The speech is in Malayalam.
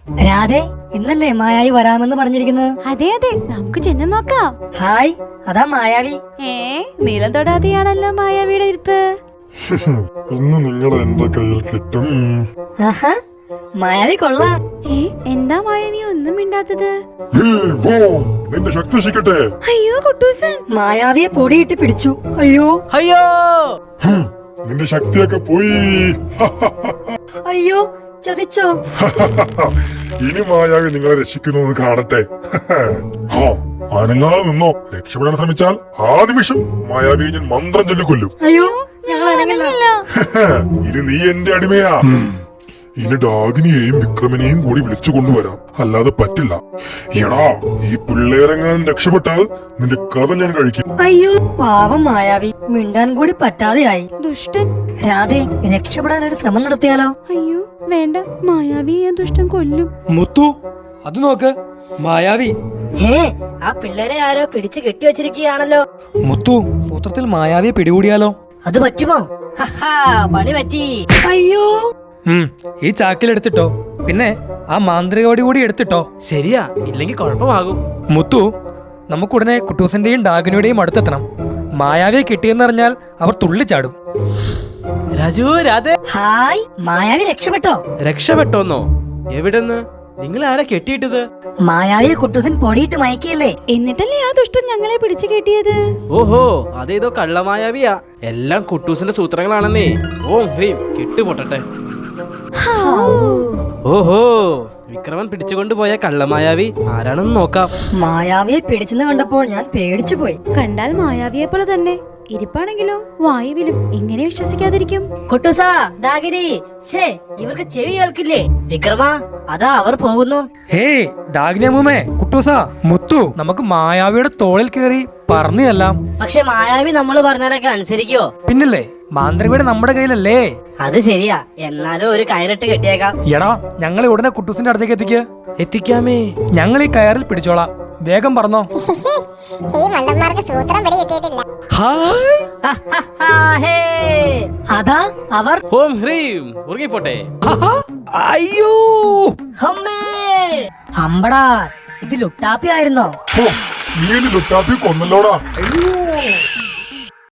രാധേ, ഇന്നല്ലേ മായാവി വരാമെന്ന് പറഞ്ഞിരിക്കുന്നത്? അതെ അതെ, നമുക്ക് ചെന്ന് നോക്കാം. ഹായ്, അതാ മായാവി. നീളം തൊടാതെയാണല്ലോ മായാവിയുടെ ഇരിപ്പ്. ഇന്ന് നിങ്ങൾ എന്റെ കയ്യിൽ കിട്ടും. ആഹാ, മായാവി കൊള്ളാം. എന്താ മായാവി ഒന്നും മിണ്ടാത്തത്? നിന്റെ ശക്തി ശിക്കട്ടെ. അയ്യോ കുട്ടൂസൻ, മായാവിയെ പൊടിയിട്ട് പിടിച്ചു. അയ്യോ അയ്യോ, നിന്റെ ശക്തിയൊക്കെ പോയി. അയ്യോ, ചതിച്ചോ? ഇനി മായാവി നിങ്ങളെ രക്ഷിക്കുന്നു കാണട്ടെ. അനങ്ങാതെ നിന്നോ. രക്ഷപ്പെടാൻ ശ്രമിച്ചാൽ ആ നിമിഷം മായാവിയെ ഞാൻ മന്ത്രം ചൊല്ലി കൊല്ലും. അയ്യോ, ഞങ്ങൾ അനങ്ങില്ല. ഇനി നീ എന്റെ അടിമയാ. ഇനി ഡാഗിനിയെയും വിക്രമനെയും കൂടി വിളിച്ചു കൊണ്ടുവരാം, അല്ലാതെ പറ്റില്ല. എടാ, ഈ പിള്ളേരെങ്ങാനും രക്ഷപ്പെട്ടാൽ നിന്റെ കഥ ഞാൻ കഴിക്കും. അയ്യോ, പാവം മായാവി, മിണ്ടാൻ കൂടി പറ്റാതെയായി. ദുഷ്ടൻ. രാധേ, രക്ഷപ്പെടാനൊരു ശ്രമം നടത്തിയാലോ? അയ്യോ വേണ്ട, മായാവി ഞാൻ ദുഷ്ടൻ കൊല്ലും. മുത്തു അത് നോക്ക്, മായാവി. ആ പിള്ളേരെ ആരോ പിടിച്ചു കെട്ടിവെച്ചിരിക്കുകയാണല്ലോ. മുത്തു, സൂത്രത്തിൽ മായാവിയെ പിടികൂടിയാലോ? അത് പറ്റുമോ? പണി പറ്റി. അയ്യോ, ഈ ചാക്കിലെടുത്തിട്ടോ, പിന്നെ ആ മാന്ത്രികോടി കൂടി എടുത്തിട്ടോ. ശരിയാ, ഇല്ലെങ്കിൽ കുഴപ്പമാകും. മുത്തു, നമുക്കുടനെ കുട്ടൂസിന്റെയും ഡാഗിനിയുടെയും അടുത്തെത്തണം. മായാവിയെ കിട്ടിയെന്നറിഞ്ഞാൽ അവർ തുള്ളിച്ചാടും. രാജു, രാധേ, ഹായ്, മായാവി രക്ഷപ്പെട്ടോ? രക്ഷപ്പെട്ടോന്നോ? എവിടെന്ന്? നിങ്ങൾ ആരാ കെട്ടിയിട്ടത്? മായാവിയെ കുട്ടൂസൻ പൊടിയിട്ട് മയക്കിയല്ലേ? എന്നിട്ടല്ലേ ആ ദുഷ്ടൻ ഞങ്ങളെ പിടിച്ചു കെട്ടിയത്? ഓഹോ, അതേതോ കള്ളമായാവിയാ. എല്ലാം കുട്ടൂസിന്റെ സൂത്രങ്ങളാണെന്നേ. ഓം ഹ്രീം കെട്ടുപൊട്ടട്ടെ. ഓഹോ, വിക്രമൻ പിടിച്ചുകൊണ്ടുപോയ കള്ളമായാവി ആരാണെന്ന് നോക്കാം. മായാവിയെ പിടിച്ചെന്ന് കണ്ടപ്പോൾ ഞാൻ പേടിച്ചു പോയി. കണ്ടാൽ മായാവിയെ പോലെ തന്നെ, ഇരിപ്പാണെങ്കിലോ വായുവിലും. എങ്ങനെ വിശ്വസിക്കാതിരിക്കും? കുട്ടൂസാ, ഡാഗിനി, ഇവർക്ക് ചെവി കേൾക്കില്ലേ? വിക്രമ, അതാ അവർ പോകുന്നു. ഹേയ് ഡാഗിനി അമ്മൂമ്മേ, കുട്ടൂസാ, മുത്തു, നമുക്ക് മായാവിയുടെ തോളിൽ കയറി പറഞ്ഞെല്ലാം. പക്ഷെ മായാവി നമ്മൾ പറഞ്ഞാലൊക്കെ അനുസരിക്കോ? പിന്നല്ലേ, മാന്ത്രികയുടെ നമ്മുടെ കയ്യിലല്ലേ. അത് ശരിയാ, എന്നാലും ഒരു കയറിട്ട് കെട്ടിയേക്കാം. എടാ, ഞങ്ങളെ ഉടനെ കുട്ടൂസിന്റെ അടുത്തേക്ക് എത്തിക്കാമേ. ഞങ്ങൾ ഈ കയറിൽ പിടിച്ചോളാം. വേഗം പറഞ്ഞോ. ഈ മണ്ടന്മാർക്ക് സൂത്രം പിടി കിട്ടിയിട്ടില്ല. അതാ അവർ. ഓം ഹ്രീം ഉറങ്ങിപ്പോട്ടെ. അയ്യോ, അമ്പടാ, ഇത് ലുട്ടാപ്പി ആയിരുന്നോ? നീ ലുട്ടാപ്പി കൊന്നല്ലോടാ.